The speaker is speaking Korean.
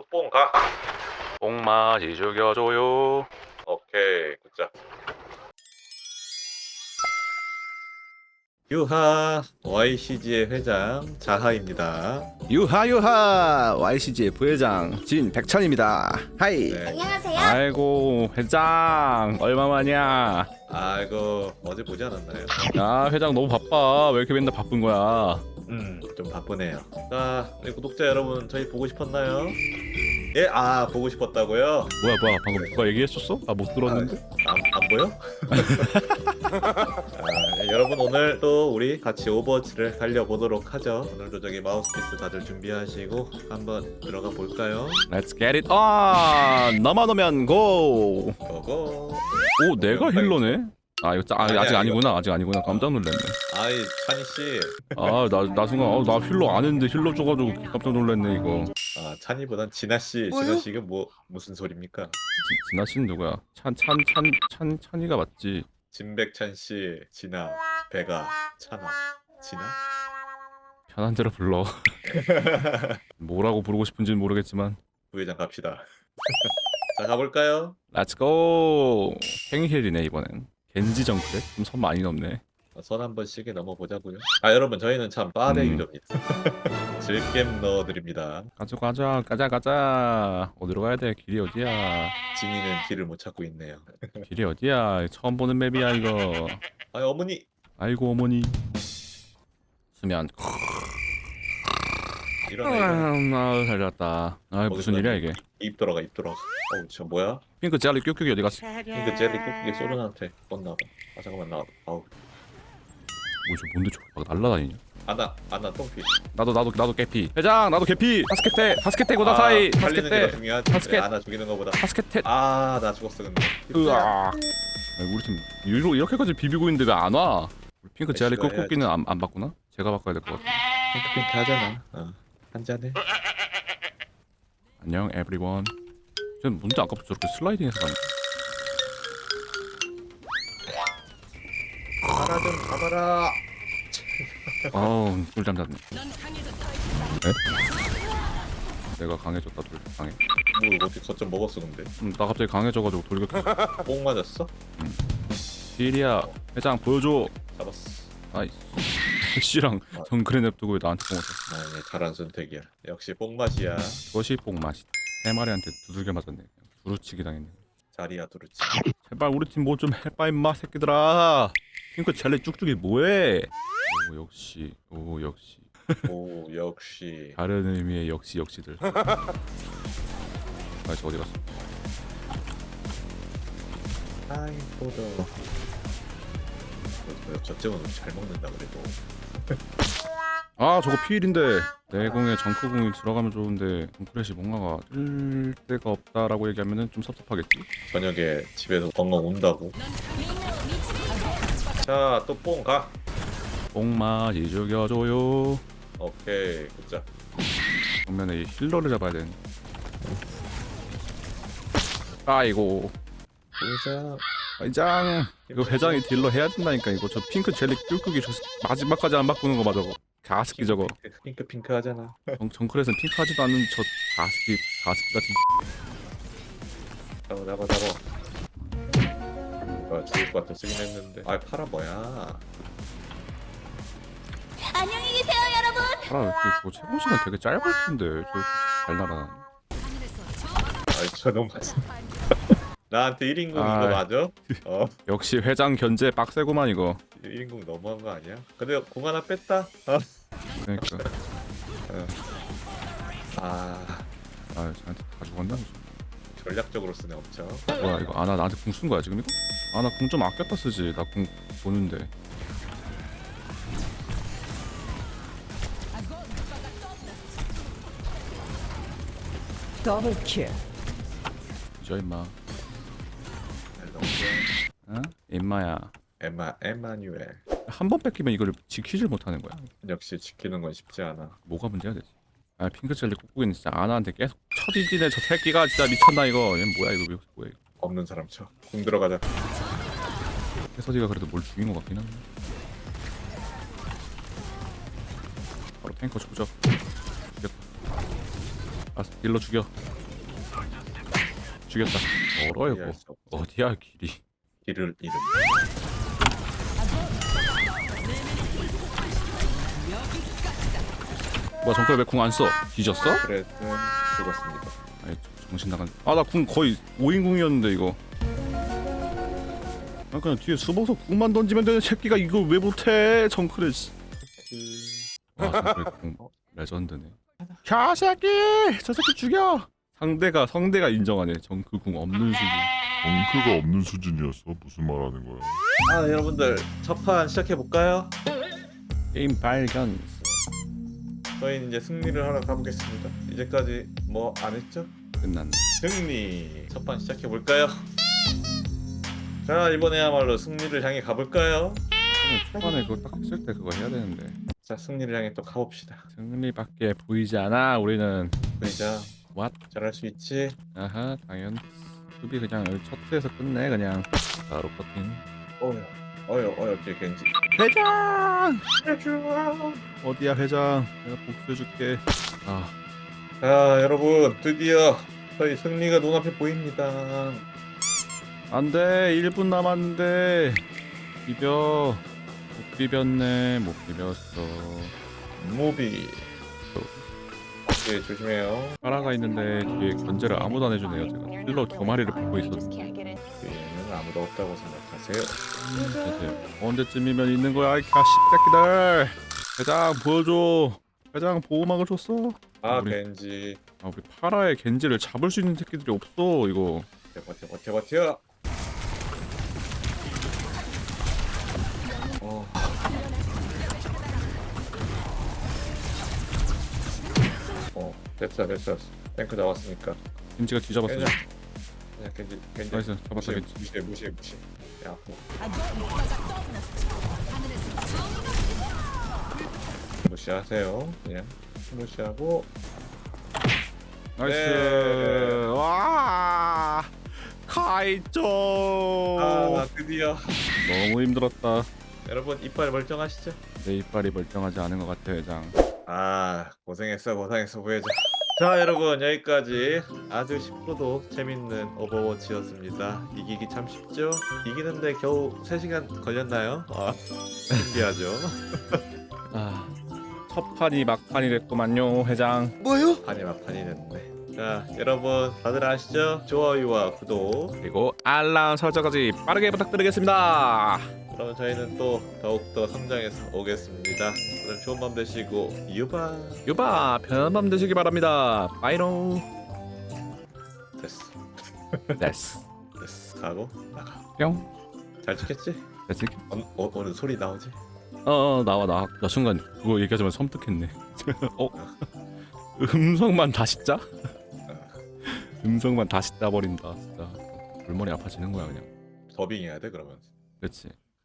뽕 가. 뽕맛이 죽여줘요. 오케이, 굿자. 유하 YCG의 회장 자하입니다. 유하유하 YCG의 부회장 진백천입니다. 하이. 네. 안녕하세요. 아이고 회장 얼마만이야. 아이고 어제 보지 않았나요? 야 회장 너무 바빠. 왜 이렇게 맨날 바쁜 거야? 좀 바쁘네요. 자, 우리 구독자 여러분 저희 보고 싶었나요? 예, 보고 싶었다고요? 뭐야 방금 누가 얘기했었어? 아 못 들었는데. 안 보여? 여러분 오늘 또 우리 같이 오버워치를 달려보도록 하죠. 오늘도 저기 마우스피스 다들 준비하시고 한번 들어가 볼까요? Let's get it on. 너만 오면 고. 고고. 오 내가 힐러네? 아 이거 아니야, 아직 이거. 아니구나. 아직 아니구나. 깜짝 놀랐네. 아이 찬이씨. 나 순간 나 힐러 안 했는데 힐러 줘가지고 깜짝 놀랐네 이거. 찬이보단 진아씨. 뭐요? 진아씨가 무슨 소리입니까? 진아 씨는 누구야? 찬이가 맞지? 진백찬씨, 진아, 배가, 찬아, 진아? 편한 대로 불러. 뭐라고 부르고 싶은지는 모르겠지만 부회장 갑시다. 자 가볼까요? Let's go. 행힐이네 이번엔. 겐지 정크래? 좀 선 많이 넘네. 선 한 번씩에 넘어보자고요. 여러분 저희는 참 빠르 유저입니다. 즐겜 넣어드립니다. 가자. 어디로 가야 돼? 길이 어디야? 진이는 길을 못 찾고 있네요. 길이 어디야? 처음 보는 맵이야 이거. 어머니. 아이고 어머니. 수면. 일어나. 잘 잤다. 무슨 일이야 이게? 입 돌아가. 어우 저 뭐야? 핑크 젤리 큐큐기 어디 갔어? 핑크 젤리 쿠키 소련한테 껐나봐. 잠깐만 나와. 뭐지 뭔데 저거 막 날라다니냐? 아나 똥피. 나도 개피. 회장 나도 개피. 바스켓테 고다사이. 살리는 게 더 중요하지. 바스켓. 그래, 아나 죽이는 거보다. 바스켓테. 나 죽었어 근데. 으아. 우리 팀 이렇게까지 비비고 있는데 왜 안 와? 우리 핑크 제알리 시도해야지. 꾹꾹기는 안 바꾸나? 제가 바꿔야 될 것 같아. 핑크 하잖아. 한 잔해. 안녕 에브리원. 쟤는 뭔데 아까부터 저렇게 슬라이딩해서 가는? 하나 좀 잡아라. 아우 꿀잠 잤네. 에? 내가 강해졌다 돌 강해. 뭐 어떻게 거점 먹었어 근데? 나 갑자기 강해져가지고 돌격했어. 뽕 맞았어? 딜이야 회장 보여줘. 잡았어. 아이 씨랑 정글에 냅두고 왜 나한테 뽕을 써? 네, 잘한 선택이야. 역시 뽕 맛이야. 그것이 뽕맛이. 세 마리한테 두들겨 맞았네. 두루치기 당했네. 자리야 두루치. 제발 우리 팀 뭐 좀 해봐 임마 새끼들아. 핑크 젤리 쭉쭉이 뭐해? 오 역시 오 역시. 다른 의미의 역시들. 저 어디 갔어? 포도. 저쪽은 잘 먹는다 그래도. 저거 피일인데 내공에 정크공이 들어가면 좋은데 정크렛이 뭔가가 뜰 데가 없다라고 얘기하면은 좀 섭섭하겠지? 저녁에 집에서 벙벙 운다고. 자 또 뽕 가. 뽕맛이 죽여줘요. 오케이 굿자. 정면에 이 힐러를 잡아야 되는. 아이고 회장 이거 회장이 딜러 해야 된다니까 이거. 저 핑크 젤리 꿀꿀이 저 마지막까지 안 바꾸는 거 맞아. 가스키 저거. 핑크 하잖아. 정크렛은 핑크 하지도 않는 저 가스키 같은. 잡아. 죽을 것 같아 쓰긴 했는데. 파라 뭐야? 안녕히 계세요, 여러분. 아 이렇게 뭐 최고 시간 되게 짧을 텐데 저 잘 날아다니. 저 너무 맞아. 나한테 1인공 이거 맞아? 역시 회장 견제 빡세구만 이거. 1인공 너무한 거 아니야? 근데 공 하나 뺐다. 그러니까 저한테 다 죽었나? 전략적으로 쓰네 엄청. 뭐야 이거 나한테 궁 쓴 거야 지금 이거? 나 궁 좀 아꼈다 쓰지. 나 궁 보는데. 더블 킬. 저 임마. 너무 좋아. 어? 임마야. 에마뉴엘. 한 번 뺏기면 이걸 지키질 못하는 거야. 역시 지키는 건 쉽지 않아. 뭐가 문제가 되지? 핑크 젤리 꾹꾹이는 진짜 아나한테 계속 쳐디디네 저 새끼가 진짜 미쳤나 이거. 얘 뭐야 이거 뭐야 이거. 없는 사람 쳐. 공 들어가자. 해서디가 그래도 뭘 죽인 것 같긴 한데. 바로 탱커 죽죠. 죽였다. 딜러 죽여. 죽였다. 멀어요 이해할 뭐. 수 없죠. 어디야 길이. 길을 잃음. 뭐야 정글 왜 궁 안 써? 뒤졌어? 그래도 죽었습니다. 아이 정신 나간. 아 나 궁 거의 5인 궁이었는데 이거. 아 그냥 뒤에 숨어서 궁만 던지면 되는 새끼가 이걸 왜 못해? 정크를. 씨. 아 정글 궁 레전드네. 야 새끼! 저 새끼 죽여! 성대가 인정하네. 정크 궁 없는 수준. 엉크가 없는 수준이었어. 무슨 말하는 거야? 아 여러분들 첫 판 시작해 볼까요? 게임 발견. 저희는 이제 승리를 하러 가보겠습니다. 이제까지 뭐 안 했죠? 끝났네. 승리. 첫 판 시작해 볼까요? 자 이번에야말로 승리를 향해 가볼까요? 초반에 그거 딱 했을 때 그거 해야 되는데. 자 승리를 향해 또 가봅시다. 승리밖에 보이지 않아. 우리는. 그이자 What? 잘할 수 있지? 아하 당연. 수비 그냥 여기 첫 트에서 끝내 그냥. 바로 커팅. 어여 겐지. 회장! 해줘. 어디야 회장? 내가 복수해줄게. 아 자 여러분 드디어 저희 승리가 눈앞에 보입니다. 안돼 1분 남았는데 비벼. 못 비볐네. 못 비볐어. 무비. 오케이 조심해요. 파라가 있는데 뒤에 견제를 아무도 안 해주네요. 제가 힐러 두 마리를 보고 있었는데. 뒤에는 아무도 없다고 생각하세요. 보세요. 언제쯤이면 있는 거야 이 가십새끼들. 회장 보여줘. 회장 보호막을 줬어. 아 우리- 겐지. 아 우리 파라의 겐지를 잡을 수 있는 새끼들이 없어 이거. 버텨. 됐어. 탱크 나왔으니까. 겐지가 뒤잡았어. 그냥 겐지. 나이스 잡았다 겐지. 무시해. 야, 무시하세요. 그냥 무시하고. 나이스. 네. 와 카이토. 아 드디어. 너무 힘들었다. 여러분 이빨 멀쩡하시죠? 내 이빨이 멀쩡하지 않은 것 같아 회장. 아 고생했어 보여줘. 자 여러분 여기까지 아주 쉽고도 재밌는 오버워치였습니다. 이기기 참 쉽죠? 이기는데 겨우 3시간 걸렸나요? 아 신기하죠? 첫 판이 막판이 됐구만요 회장. 판이 막판이 됐네. 자 여러분 다들 아시죠? 좋아요와 구독. 그리고 알람 설정까지 빠르게 부탁드리겠습니다. 그럼 저희는 또 더욱더 성장해서 오겠습니다. 오늘 좋은 밤 되시고 유바. 유바 편한 밤 되시기 바랍니다. 바이롱. 됐어 됐어. 가고 나가. 뿅. 잘 찍혔지? 됐지? 오늘 소리 나오지? 나와 나 순간 그거 얘기하자면 섬뜩했네. 음성만 다시 짜? 음성만 다시 짜버린다 진짜. 골머리 아파지는 거야 그냥. 더빙해야 돼 그러면. 그렇지.